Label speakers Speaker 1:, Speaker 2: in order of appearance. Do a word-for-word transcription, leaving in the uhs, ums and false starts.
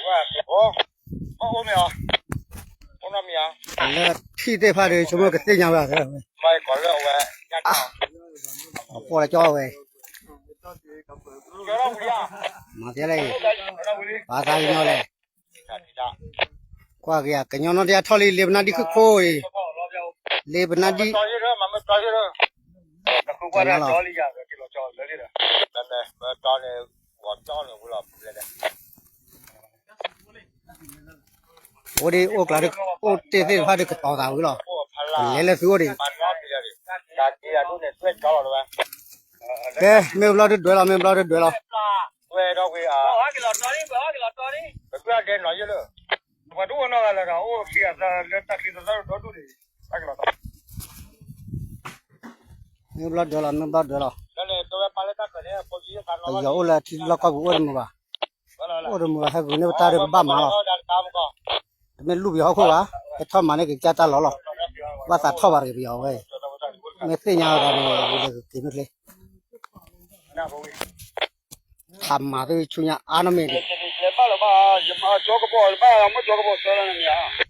Speaker 1: 哦，哦，我没有，我那没有。
Speaker 2: 那替代派的什么个对象吧？
Speaker 1: 买过了喂，
Speaker 2: 啊，过来叫喂，
Speaker 1: 叫到屋里啊？
Speaker 2: 马爹嘞，
Speaker 1: 到屋里。
Speaker 2: 把啥人嘞？
Speaker 1: 啥地方？
Speaker 2: 挂个呀，跟娘那点套里里不那的可可诶，里不那的。
Speaker 1: 找些人，慢慢找些人。后边来找里家，这个找这里的。那那我找的，我找的我老不来的。
Speaker 2: 我的我搞的，我这这怕这个到单位了，来来所的。哎，没有老的对了，没有老的对了。
Speaker 1: 对到位啊。我给他找的，我给他找的。不要再找去了。我都那个那个，我去啊，这这这里头找找的，那个了。
Speaker 2: 没有老对了，没有老对了。
Speaker 1: 那你都要把那大哥的过去看了。
Speaker 2: 哎呀，我来提老搞我的么吧？我的么还给那个打的爸妈了。没路标好啊，还他妈那个家打老了，我咋套把这个标喂？没这样的那个给那嘞。他妈的，去年俺那没的。
Speaker 1: 把了把，把交个包，把俺们交个包收了没有？